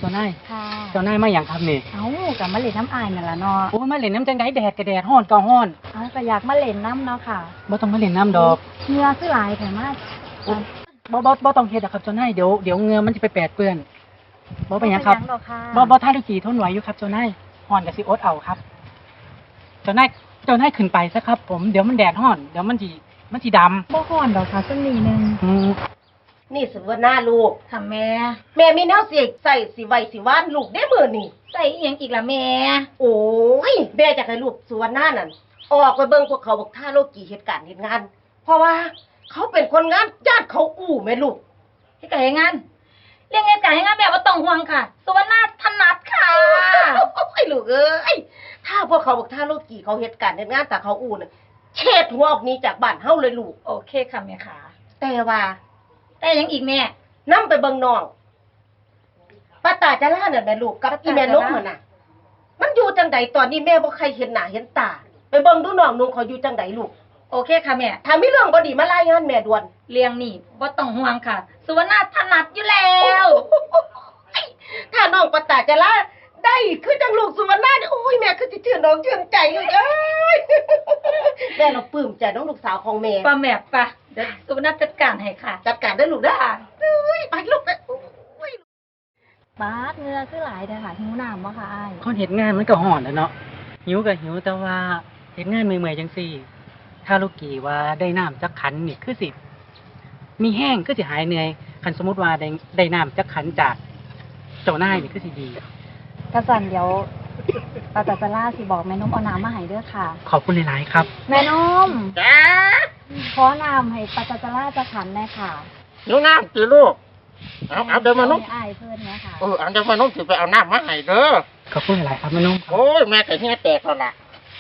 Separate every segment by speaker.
Speaker 1: จ้านาย
Speaker 2: ค่ะ
Speaker 1: เจ้านายมาอย่างครับนี่
Speaker 2: เอ้ากับมะเล่นน้ำอายนั่นล่ะเนาะ
Speaker 1: โอ้มาเล่นน้ำจังไดแดดกระแดดฮ้อนก็ฮ้อน
Speaker 2: เอ้าก็อยากมาเล่นน้ำเนาะค่ะ
Speaker 1: บ่ต้องมาเล่นน้ำดอก
Speaker 2: เหงื่อคือหลายแต่มา
Speaker 1: บ่ต้องเฮ็ดครับเจ้านายเดี๋ยวเหงื่อมันจะไปแปดเปื้อนบ่เป็นหยังครับ
Speaker 2: ดอกค่ะ
Speaker 1: บ่ท่าทุกีทนไหวอยู่ครับเจ้านายฮ้อนก็สิอดเอาครับเจ้านายขึ้นไปซะครับผมเดี๋ยวมันแดดฮ้อนเดี๋ยวมันสิดำ
Speaker 2: บ่ฮ้อนดอกค่ะสักนิดนึง
Speaker 3: นี่สิว่าหน้าลูก
Speaker 2: ค่ะแม่
Speaker 3: แม่มีแนวสิใส่สิไว้สิว่านลูกได้มื้อนี่
Speaker 2: ใส่อีหยังอีกล่ะแม่
Speaker 3: โอ้ยแม่อยากให้ลูกสุวรรณานั่นออกไปเบิ่งพวกเขาบอกท่าโลกีเหตุการณ์เฮ็ดงานเพราะว่าเขาเป็นคนงานญาติเขาอู้แม่ลูก
Speaker 2: เฮ็ดการเฮ็ดงานเรื่องเหตุการณ์เฮ็ดงานแม่บ่ต้องห่วงค่ะสุวรรณาถนัดค่ะ
Speaker 3: ไอ้ลูกเอ้ยถ้าพวกเขาบอกท่าโลกีเขาเหตุการณ์เฮ็ดงานแต่เขาอู้น่ะเช็ดหัวออกหนี้จากบ้านเฮาเลยลูก
Speaker 2: โอเคค่ะแม่ค่ะ
Speaker 3: แต่ว่า
Speaker 2: แต่ยังอีกแม่
Speaker 3: นำไปเบิ่งน้องป้าตาจะล่านั่นแม่ลูกกับอีแม่นกมันน่ะมันอยู่จังใดตอนนี้แม่บ่ใครเห็นหน้าเห็นตาไปเบิ่งดูน้องนุ่งเขาอยู่จังใดลูก
Speaker 2: โอเคค่ะแม่
Speaker 3: ถ้ามีเรื่องบ่ดีมารายงานแม่ด่วน
Speaker 2: เรื่องนี้บ่ต้องห่วงค่ะสุวรรณาถนัดอยู่แล้ว
Speaker 3: ถ้าน้องป้าตาจะล่าได้คือจังลูกสุวรรณาโอ้ยแม่คือสิชื่นน้องชื่นใจลูกเอ้ยแม่เราปลื้มใจน้องลูกสาวของแม่
Speaker 2: ป้าแม่ป่ะเดี๋ยวสุวรรณาจัดการให้ค่ะ
Speaker 3: จัดการได้ลูกเด้อเอ้ยไปลูกไป
Speaker 2: บาดเหงื่อคือหลายเด้อค่ะหิวน้ำบ่ค่ะอ้าย
Speaker 1: คนเฮ็ดงานมันก็ฮ้อนแหล้วเนาะหิวก็หิวแต่ว่าเฮ็ดงานเมื่อยๆจังซี่ถ้าลูกกี้ว่าได้น้ำจักขันนี่คือสิมีแห้งคือสิหายเหนื่อยคันสมมุติว่าได้น้ำจักขันจากเจ้านายนี่คือสิดี
Speaker 2: กระสันเดี๋ยวป้าตาจะล่าสิบอกแม่นมเอาน้ำมาให้เด้อค่ะ
Speaker 1: ขอบคุณหลายๆครับ
Speaker 2: แม่นม
Speaker 3: จ้า
Speaker 2: ขอน้ำให้ป้าตาจะล่าจะขันแน่ค่ะ
Speaker 3: หิวน้ำสิลูกเอาเดี๋ยวมานุ่ม
Speaker 2: อ้ายเพิ่นเนี่ยค่ะ
Speaker 3: เอาเดี๋ยวมานุ่มสิไปเอาน้ำมาให้เด้อ
Speaker 1: ขอบคุณหลายๆครับแม่นุ่ม
Speaker 3: โอ้ยแม่ก็เหี้ยแตกแล้วล่ะ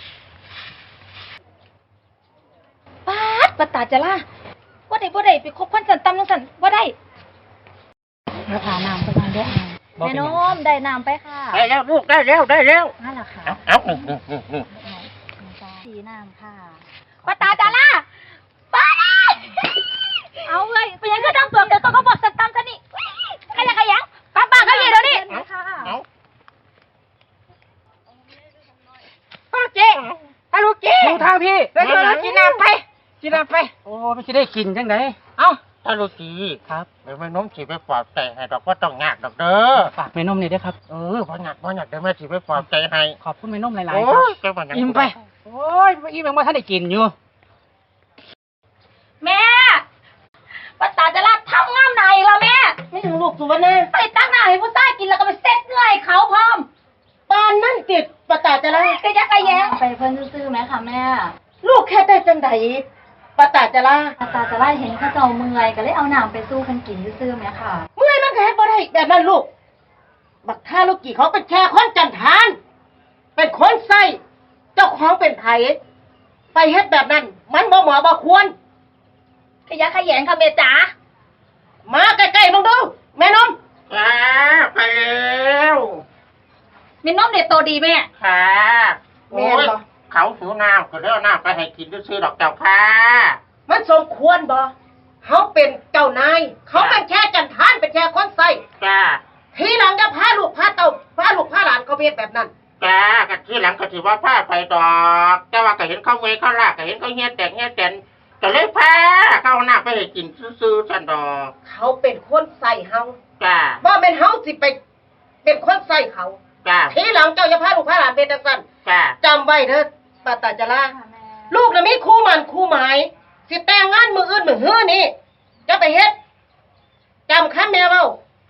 Speaker 2: ป้าตาจะล่าบ่ได้ไปคบคนสันตำจังซั่นบ่ได้แล้วหาน้ำไปมาเด้ออ้ายแม่นมได้น้ำไปค่ะ
Speaker 3: ได้แล้วลูกได้แล้ว
Speaker 2: นั่นล่ะค่ะ
Speaker 3: เอา
Speaker 2: สีน้ำค่ะป้าตาจะล่าป้าเอาเลยเป็นยังไงต้องตัวเดี๋ยวต้องบอกสันตำซะนี่ขยันป้าเขาอยู่เดี๋ยวนี้
Speaker 3: เอาพ่อเจ๊ฮัลโหลเจ๊
Speaker 1: ดูทางพี่
Speaker 3: ไปกินน้ำไป
Speaker 1: โอ้ไม่ใช่ได้กินจังได
Speaker 3: เอ้าฮัลโหลจี
Speaker 1: ครับ
Speaker 3: เดี๋ยวแม่น้มสิไปปลอบใจให้ดอกว่าต้องยากดอกเด้อ
Speaker 1: ฝากแม่นมหน่อยด้วยครับ
Speaker 3: บ่ยากเดี๋ยวแม่สิไปปลอบใจให้
Speaker 1: ขอบคุณแม่นมหลายๆครับอิ่มไปโอ้ยอิ่มยังบ่ทันได้กินอยู่
Speaker 2: แม่ป้าตาจะรับทำงามไหนล่ะแม่
Speaker 3: ไม่ถึงลูกสุวรรณา
Speaker 2: ไปตั้งหน้าให้ผู้ชายกินแล้วก็ไปเซ็ตเงื่อยเขาพร้อม
Speaker 3: ปานนั่นติดป้าตาจะล่า
Speaker 2: ก็ยักกะแยงไปเพิ่นซื่อๆไหมคะแม่
Speaker 3: ลูกแค่ได้จังไดป้าตาจะล่า
Speaker 2: เห็นเขาเจ้าเมื่อยก็เลยเอาน้ำไปสู้เพิ่นกินซื่อๆไหมค่ะ
Speaker 3: เมื่อยมันก็เฮ็ดบ่ได้แบบนั้นลูกบักท่าลูกกี่เขาเป็นแค่คนจันทานเป็นคนใส่เจ้าของเป็นไผไปเฮ็ดแบบนั้นมันบ่เหมาะบ่ควร
Speaker 2: ขยักขยงค่ะแม่จ๋า
Speaker 3: มาใกล้ๆมึงดูแม่นมค่ะไปแล้ว
Speaker 2: แม่นมเด็ดโตดีแม่
Speaker 3: ค่ะโอ้ยเขาหิวน้ำก็เลยเอาน้ำไปให้กินซื่อๆดอกเจ้าค่ะมันสมควรบ่เขาเป็นเจ้านายเขาเป็นแค่จันทานเป็นแค่คนใส่จ้าทีหลังจะพาลูกพาเต่าพาลูกพาหลานเขาเฮ็ดแบบนั้นจ้าก็ทีหลังก็สิว่าพาไปดอกแต่ว่าก็เห็นเขาเวเขาลากก็เห็นเขาเฮ็ดแต่ก็เลยพาเขาเอาน้ำไปให้กินซื่อๆซั่นดอกเขาเป็นคนใส่เฮาจ้าบ่แม่นเฮาสิไปเป็นคนใส่เขาจ้าทีหลังเจ้าจะพาลูกพาหลานเป็นจังซั่นจ้าจำไว้เด้อป้าตาจะล่าลูกน่ะมีคู่หมั่นคู่หมายสิแต่งงานมื้ออื่นมื้อฮื้อนี่จะไปเฮ็ดจำคำแม่เว้า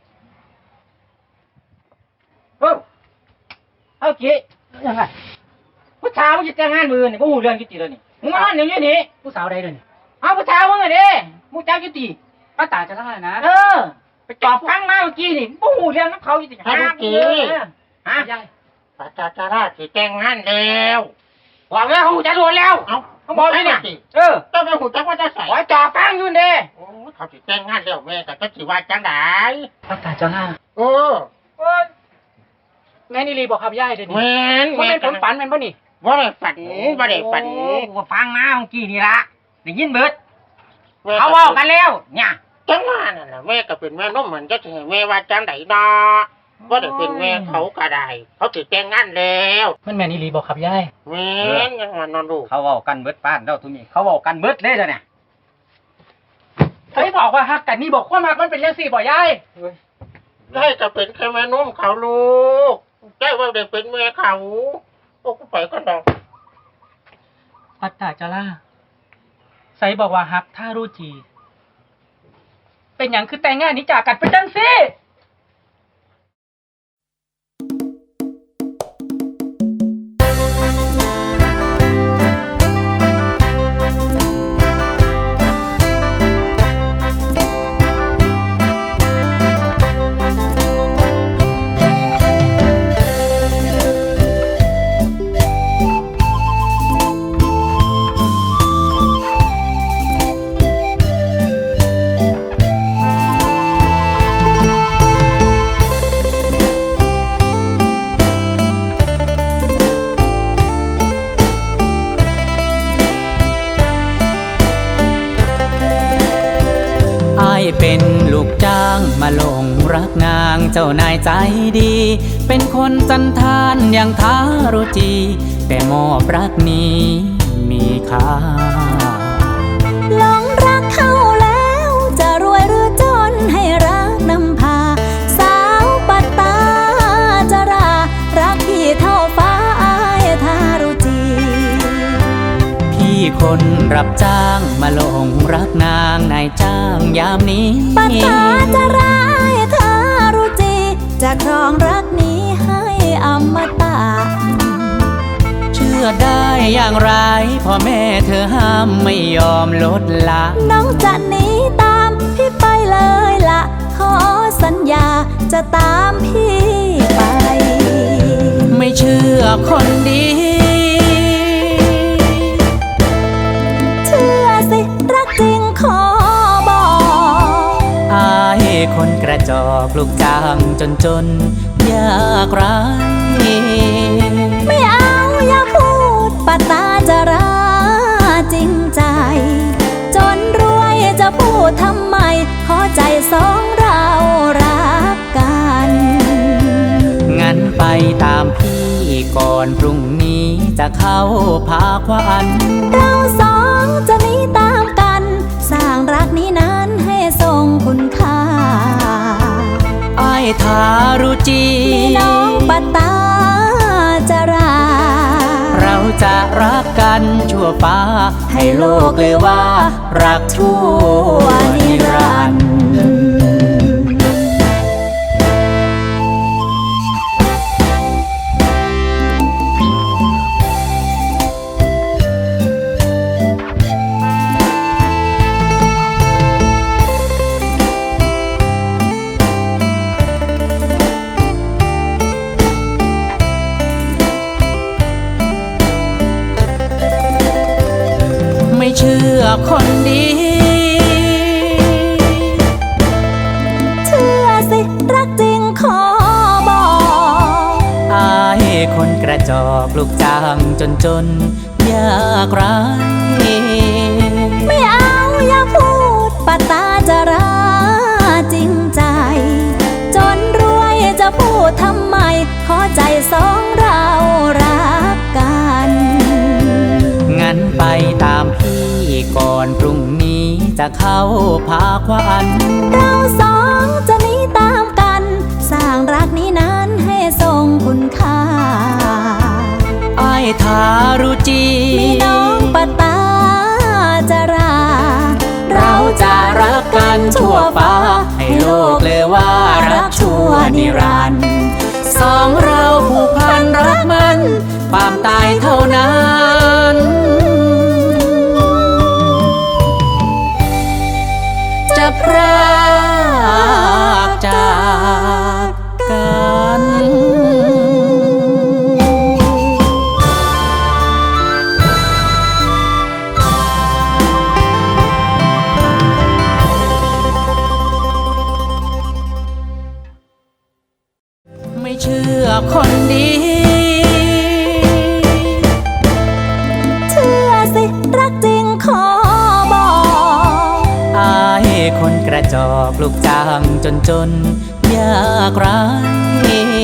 Speaker 1: เอาเจ๊ยังไงผู้ชายมันจะแต่งงานมือนี่บ่ฮู้เรื่องจุติแล้วนี่มึงมาเดี๋ยวนี้นี่ผู้สาวใดเด้อนี่เอาผู้ชายมึงอ่ะเด้มึงจักจุติป้าตาจะล่านะไปจอบฟังมาเมื่อกี้นี่บ่ฮู้เรื่องกับเขาจุติ
Speaker 3: ฮะฮะป้าตาจะล่าสิแต่งงานแล้ว
Speaker 1: บอกแล้วฮู้จักโดนแล้วเขาบอกให้เนี่ย
Speaker 3: เจ้าแม่ฮู้จักว่าจะใส่
Speaker 1: ขอจอบฟังอยู่เด้
Speaker 3: โอ้เขาสิแต่งงานแล้วแม่ก็จะสิว่าจังได๋
Speaker 1: ป้าตาจะล่าแม่นี่รีบอกครับย่ายเดี๋ยวนี้มันเป็นผลฝันแม่นป่ะนี่
Speaker 3: ว่าได้ฝัน
Speaker 1: ว่าฟังมาเมื่อกี้นี่ละได้ยินเบิดเขาว่ากันแล้วเนี่ย
Speaker 3: จังว่านั่นแหละแม่ก็เป็นแม่นมเหมือนจะถึงแม่ว่าจังได๋ดอว่าได้เป็นแม่เขาก็ได้เขาถือแต่งงานแล้ว
Speaker 1: มันแม่นอีหลีบ่ครับยาย
Speaker 3: แม่นยังว่านอนลูก
Speaker 4: เขาเว้ากันเบิดป้านแล้วทุกนี้เขาเว้ากันเบิดเลยเด้อเนี่ย
Speaker 1: เฮ้ยบอกว่าฮักกันนี่บอกความฮักมันเป็นจังซี่บ่ยาย
Speaker 3: ได้จะเป็นแค่แม่นุ่มเขาลูกได้ว่าได้เป็นแม่เขาโอ้กูไปก็ดอก
Speaker 1: ปัตตาจาราไสบอกว่าฮักถ้ารู้จี เป็นหยังคือแต่งงานนี้จากกันเป็นจังซี่
Speaker 5: อ้ายเป็นลูกจ้างมาหลงรักนางเจ้านายใจดี เป็นคนจันทานอย่างทารุจี แต่มอบรักนี้มีค่า
Speaker 2: หลงรักเขาแล้วจะรวยหรือจนให้รักนำพา สาวปัตตาจารารักพี่เท่าฟ้าอายทารุจี
Speaker 5: พี่คนรับจ้างมาหลงรักนางนายจ้างยามนี้
Speaker 2: ปัตตาจาราอายทารุจี จะครองรักนี้ให้อมตะ
Speaker 5: เชื่อได้อย่างไรพ่อแม่เธอห้ามไม่ยอมลดละ
Speaker 2: น้องจะหนีตามพี่ไปเลยละขอสัญญาจะตามพี่ไป
Speaker 5: ไม่เชื่อคนดี
Speaker 2: เชื่อสิรักจริงขอบอก
Speaker 5: อายคนกระจอกลูกจ้างจนยากไร
Speaker 2: ไม่เอาอย่าพูดปัตตาจาราจริงใจ จนรวยจะพูดทำไม ขอใจสองเรารักกัน
Speaker 5: งั้นไปตามพี่ก่อนพรุ่งนี้จะเข้าพาควัน
Speaker 2: เราสองจะหนีตามกัน สร้างรักนี้นั้นให้ทรงคุณค่า
Speaker 5: อายทารุจี
Speaker 2: มีน้องปัตตาจารา
Speaker 5: เราจะรักกันชั่วฟ้า ให้โลกเลยว่า รักชั่วนิรันดร์ ไม่เชื่อคนดี
Speaker 2: เชื่อสิรักจริงขอบอก
Speaker 5: อายคนกระจอกลูกจ้างจนยากไร
Speaker 2: ไม่เอาอย่าพูดปัตตาจาราจริงใจ จนรวยจะพูดทำไม ขอใจสองเรารักกัน
Speaker 5: งั้นไปตามพี่ก่อนพรุ่งนี้จะเข้าพาควัน
Speaker 2: เราสองจะหนีตามกัน สร้างรักนี้นั้นให้ทรงคุณค่า
Speaker 5: อายทารุจี
Speaker 2: มีน้องปัตตาจารา
Speaker 5: เราจะรักกันชั่วฟ้า ให้โลกเลยว่ารักชั่วนิรันดร์สองเราผูกพันรักมันความตายเท่านั้น จะพรากจากกัน ไม่เชื่อคนดี
Speaker 2: เชื่อสิรักจริงขอบอก
Speaker 5: อายคนกระจอกลูกจ้างจนยากไร